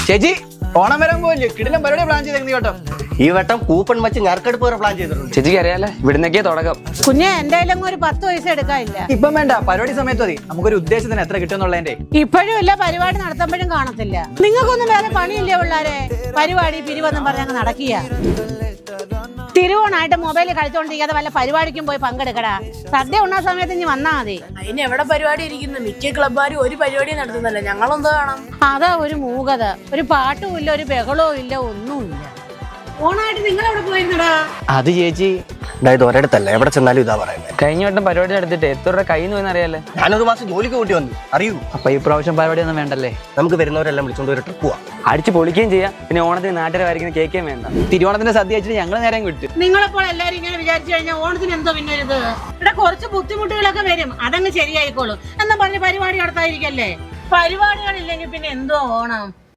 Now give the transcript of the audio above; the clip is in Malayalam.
ചേച്ചി ഓണം വരാൻ പോയില്ലേ? കിടിലം പരിപാടി പ്ലാൻ ചെയ്തേക്കുന്നു കേട്ടോ. ഈ വട്ടം കൂപ്പൺ വെച്ച് ഞറക്കെടുപ്പ് വരെ പ്ലാൻ ചെയ്തിട്ടുണ്ട്. ചേച്ചിക്ക് അറിയാലേ, ഇവിടുന്നൊക്കെ തുടക്കം. കുഞ്ഞെ എന്തായാലും ഒരു 10 പൈസ എടുക്കാനില്ല. ഇപ്പം വേണ്ട, പരിപാടി സമയത്ത് മതി. നമുക്കൊരു ഉദ്ദേശത്തിന് എത്ര കിട്ടുമെന്നുള്ളതിന്റെ. ഇപ്പോഴും ഇല്ല, പരിപാടി നടത്തുമ്പോഴും കാണത്തില്ല. നിങ്ങൾക്കൊന്നും വേറെ പണിയില്ലേ പിള്ളാരെ? പരിപാടി പിരിവെന്നും പറഞ്ഞങ്ങ് നടക്കുക. തിരുവോണായിട്ട് മൊബൈലിൽ കളിച്ചോണ്ടിരിക്കാതെ വല്ല പരിപാടിക്കും പോയി പങ്കെടുക്കടാ. സദ്യ ഉണ്ണാ സമയത്ത് ഇനി വന്നാ മതി. അതിന് എവിടെ പരിപാടി ഇരിക്കുന്നു? മിക്ക ക്ലബ്ബാരും ഒരു പരിപാടി നടത്തുന്നല്ലേ, ഞങ്ങളെന്തോ കാണാം. അതാ ഒരു മൂകത. ഒരു പാട്ടും ഇല്ല, ഒരു ബഹളവും ഇല്ല, ഒന്നുമില്ല. ഓണായിട്ട് നിങ്ങൾ എവിടെ പോയിരുന്നടാ? അത് ചേച്ചി അതായത് ഒരിടത്തല്ല, എവിടെ ചെന്നാലും ഇതാ പറയുന്നത്. കഴിഞ്ഞ വട്ടം പരിപാടി നടത്തിട്ട് എത്ര രൂപ കയ്യിൽ നിന്ന് അറിയാലേ. ഞാനൊരു മാസം ജോലിക്ക് കൂട്ടി വന്നു, അറിയൂ. അപ്പൊ ഈ പ്രാവശ്യം പരിപാടി ഒന്നും വേണ്ടല്ലേ? നമുക്ക് വരുന്നവരെല്ലാം വിളിച്ചോണ്ട് ഒരു ട്രിപ്പ് പോവാം. അടിച്ച് പൊളിക്കുകയും ചെയ്യാം. പിന്നെ ഓണത്തിന് നാട്ടുകാരെ വരയ്ക്കുന്ന കേൾക്കുകയും വേണ്ട. തിരുവോണത്തിന്റെ സദ്യ വെച്ചിട്ട് ഞങ്ങൾ നേരം കിട്ടും. നിങ്ങളെപ്പോൾ എല്ലാരും ഇങ്ങനെ വിചാരിച്ചു കഴിഞ്ഞാൽ ഓണത്തിന് എന്തോ പിന്നെ ഇത് ഇവിടെ കുറച്ച് ബുദ്ധിമുട്ടുകളൊക്കെ വരും, അതങ്ങ് ശരിയായിക്കോളും. എന്നാ പറഞ്ഞ് പരിപാടി നടത്താതിരിക്കല്ലേ? പരിപാടികളില്ലെങ്കിൽ പിന്നെ എന്തോ ഓണം.